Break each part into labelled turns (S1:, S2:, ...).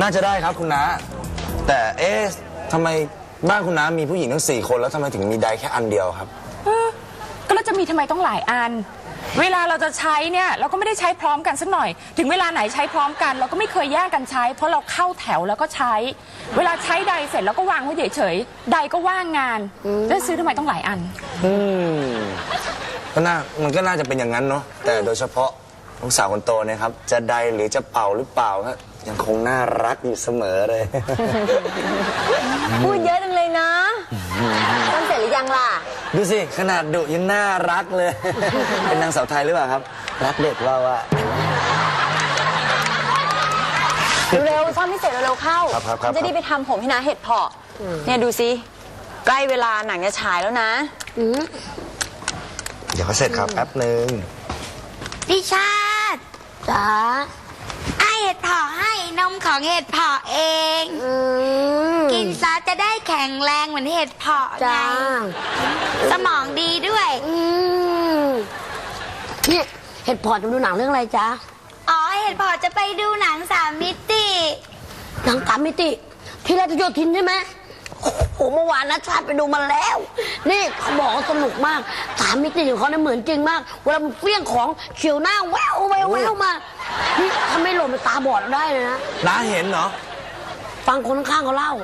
S1: น่าจะได้ครับคุณน้าแต่ทำไมบ้านคุณน้ามีผู้หญิงทั้ง4 คนแล้วทำไมถึงมีไดแค่อันเดียวครับ
S2: ก็แล้วจะมีทำไมต้องหลายอันเวลาเราจะใช้เนี่ยเราก็ไม่ได้ใช้พร้อมกันสักหน่อยถึงเวลาไหนใช้พร้อมกันเราก็ไม่เคยแย่งกันใช้เพราะเราเข้าแถวแล้วก็ใช้เวลาใช้ไดเสร็จแล้วก็วางไว้เฉยๆไดก็ว่างงานแล้วซื้อทำไมต้องหลายอัน
S1: มันก็น่าจะเป็นอย่างนั้นเนาะแต่โดยเฉพาะลูกสาวคนโตเนี่ยครับจะไดหรือจะเป่าหรือเปล่าก็ยังคงน่ารักอยู่เสมอเลย
S3: พูดเยอะจังเลยนะต้นเสร็จหรือยังล่ะ
S1: ดูสิขนาดดุยังน่ารักเลย เป็นนางสาวไทยหรือเปล่าครับรักเด็กเราอะ
S3: เร็วซ่อมให้เสร็จเร็วเข้าจะได้ไปทำผมให้นะเห็ดเพาะเนี่ยดูสิใกล้เวลาหนังจะฉายแล้วนะ
S1: เดี๋ยวเขาเสร็จครับแป๊บหนึ่ง
S4: พี่ชาติ
S3: จ๋า
S4: ไอเห็ดเพาะให้นมของเห็ดเพาะเองกินซะจะได้แข็งแรงเหมือนเห็ดเพาะไงสมองดีด้วย
S3: นี่เห็ดเพาะจะดูหนังเรื่องอะไรจ๊ะ
S4: อ๋อเห็ดเพาะจะไปดูหนัง3 มิติ
S3: หนัง3 มิติที่ราชโยธินใช่ไหมโอ้เมื่อวานนะชาติไปดูมาแล้วนี่เขาบอกว่าสนุกมาก3 มิติของเขาเนี่ยเหมือนจริงมากเวลามันเฟี้ยงของเฉียวหน้าแววแววแววมานี่ถ้าไม่หล่นมันตาบอดได้เลยนะ
S1: น้าเห็นเหรอ
S3: ฟังคนข้างๆเขาเล่า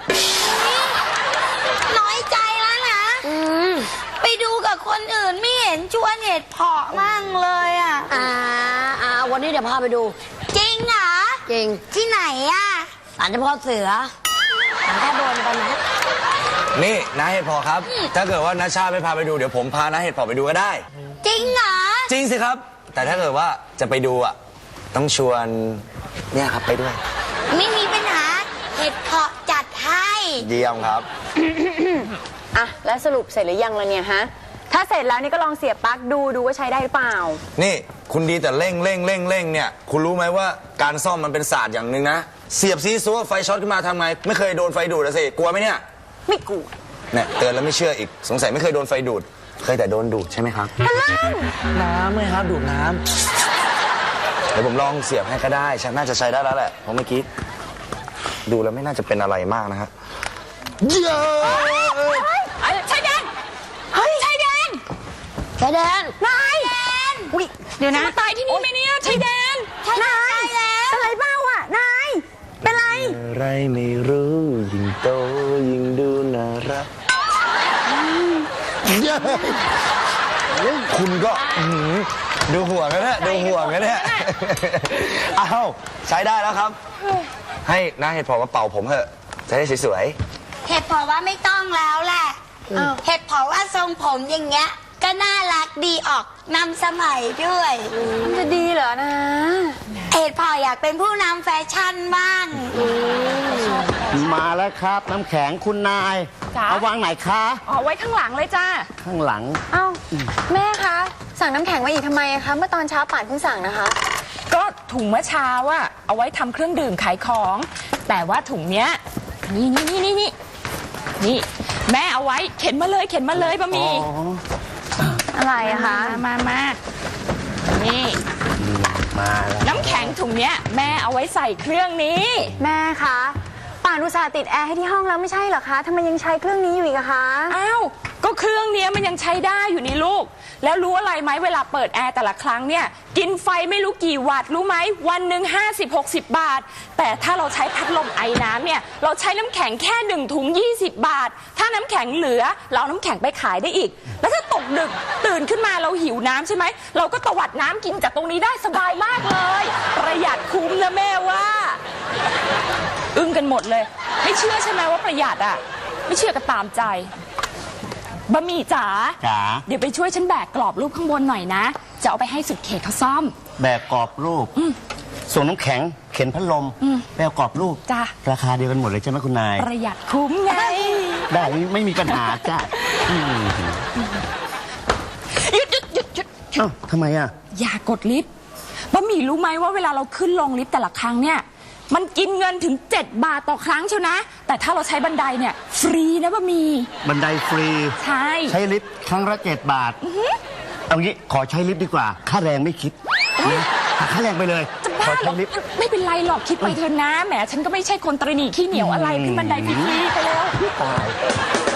S4: น้อยใจแล้วนะไปดูกับคนอื่นไม่เห็นชวนเห็ดเพาะมั่งเลยอ่ะ
S3: วันนี้เดี๋ยวพาไปดู
S4: จริงเหรอ
S3: จริง
S4: ที่ไหนอ่ะ
S3: ศาลเจ้าพ่อเสือแค่โดนไปนะ
S1: นี่น้าเห็ดเพาะครับถ้าเกิดว่าน้าชาไม่พาไปดูเดี๋ยวผมพาน้าเห็ดเพาะไปดูก็ได้
S4: จริงเหรอ
S1: จริงสิครับแต่ถ้าเกิดว่าจะไปดูอ่ะต้องชวนเนี่ยครับไปด้วย
S4: ไม่มีปัญหาเห็ดเพาะจัดให้
S1: เยี่ยมครับ
S3: อ่ะแล้วสรุปเสร็จหรือยังล่ะเนี่ยฮะถ้าเสร็จแล้วนี่ก็ลองเสียบปลั๊กดูว่าใช้ได้หรือเปล่า
S1: นี่คุณดีแต่เร่งเนี่ยคุณรู้ไหมว่าการซ่อมมันเป็นศาสตร์อย่างหนึ่งนะเสียบซีซัวไฟช็อตขึ้นมาทำไงไม่เคยโดนไฟดูดสิกลัวไหมเนี่ย
S3: ไม่กลัว
S1: เนี่ยเตือนแล้วไม่เชื่ออีกสงสัยไม่เคยโดนไฟดูดเคยแต่โดนดูดใช่ไหมครับน้ำไม่ครับดูดน้ำเดี๋ยวผมลองเสียบให้ก็ได้น่าจะใช้ได้แล้วแหละเพราะเมื่อกี้ดูแล้วไม่น่าจะเป็นอะไรมากนะฮะ
S2: เยอะชายแดนชายแดนนายอุ้ยเดี๋ยวนะตายที่นี่ไหมเนี่ยชายแดน
S4: นาย
S3: อะไรเปล่าอ่ะนายเป็นไร
S1: อะไรไม่รู้ยิ่งโตยิ่งดูน่ารักคุณก็ดูห่วงกันนะดูห่วงกันเนี่ยอ้าวใช้ได้แล้วครับให้น้าเห็ดเพาะมาเป่าผมเถอะจะได้สวย
S4: ๆเห็ดเพาะว่าไม่ต้องแล้วแหละเห็ดเพาะว่าทรงผมอย่างเงี้ยก็น่ารักดีออกนำสมัยด้วย
S3: จะดีเหรอนะ
S4: เห็ดเพาะอยากเป็นผู้นำแฟชั่นบ้าง
S5: มาแล้วครับน้ำแข็งคุณนายเอาวางไหนคะ
S2: ไว้ข้างหลังเลยจ้า
S5: ข้างหลัง
S3: เอ้าแม่คะสั่งน้ำแข็งมาอีกทำไมคะเมื่อตอนเช้าป่านเพิ่งสั่งนะคะ
S2: ก็ถุงเมื่อเช้าอะเอาไว้ทำเครื่องดื่มขายของแต่ว่าถุงเนี้ยนี่แม่เอาไว้เข็นมาเลยบะหมี่
S3: อะไรอะคะ
S2: มานี่
S5: มาแล้ว
S2: น้ำแข็งถุงเนี้ยแม่เอาไว้ใส่เครื่องนี้
S3: แม่คะป่านอุตส่าห์ติดแอร์ให้ที่ห้องแล้วไม่ใช่เหรอคะทำไมยังใช้เครื่องนี้อยู่อีกอะคะ
S2: อ้าวก็เครื่องนี้มันยังใช้ได้อยู่นี่ลูกแล้วรู้อะไรไหมเวลาเปิดแอร์แต่ละครั้งเนี่ยกินไฟไม่รู้กี่วัตต์รู้ไหมวันหนึ่ง50-60 บาทแต่ถ้าเราใช้พัดลมไอน้ำเนี่ยเราใช้น้ำแข็งแค่1 ถุง20 บาทถ้าน้ำแข็งเหลือเราน้ำแข็งไปขายได้อีกแล้วถ้าตกดึกตื่นขึ้นมาเราหิวน้ำใช่ไหมเราก็ตวัดน้ำกินจากตรงนี้ได้สบายมากเลยประหยัดคุ้มนะแม่ว่าอึ้งกันหมดเลยไม่เชื่อใช่ไหมว่าประหยัดอ่ะไม่เชื่อก็ตามใจบะหมี่จ๋าเดี๋ยวไปช่วยฉันแบกกรอบรูปข้างบนหน่อยนะจะเอาไปให้สุดเขตเขาซ่อม
S5: แบกกรอบรูปส่วนน้ำแข็งเข็นพัดลมแบกกรอบรูป
S2: จ้า
S5: ราคาเดียวกันหมดเลยใช่ไหมคุณนาย
S2: ประหยัดคุ้มไง
S5: ได้ไม่มีปัญหาจ้า
S2: หยุด
S5: ทำไมอ่ะ
S2: อย่ากดลิฟต์บะหมี่รู้ไหมว่าเวลาเราขึ้นลงลิฟต์แต่ละครั้งเนี่ยมันกินเงินถึง7 บาทต่อครั้งเชียวนะแต่ถ้าเราใช้บันไดเนี่ยฟรีนะบะหมี่
S5: บันไดฟรี
S2: ใช้
S5: ลิฟต์ครั้งละ7 บาทเอางี้ขอใช้ลิฟต์ดีกว่าค่าแรงไม่คิดนะค่าแรงไปเลย
S2: จะบ้าเหรอไม่เป็นไรหรอกคิดไปเถอะนะแหมฉันก็ไม่ใช่คนตระหนี่ขี้เหนียวอะไรขึ้นบันไดฟรีๆไปแล้ว
S5: ตาย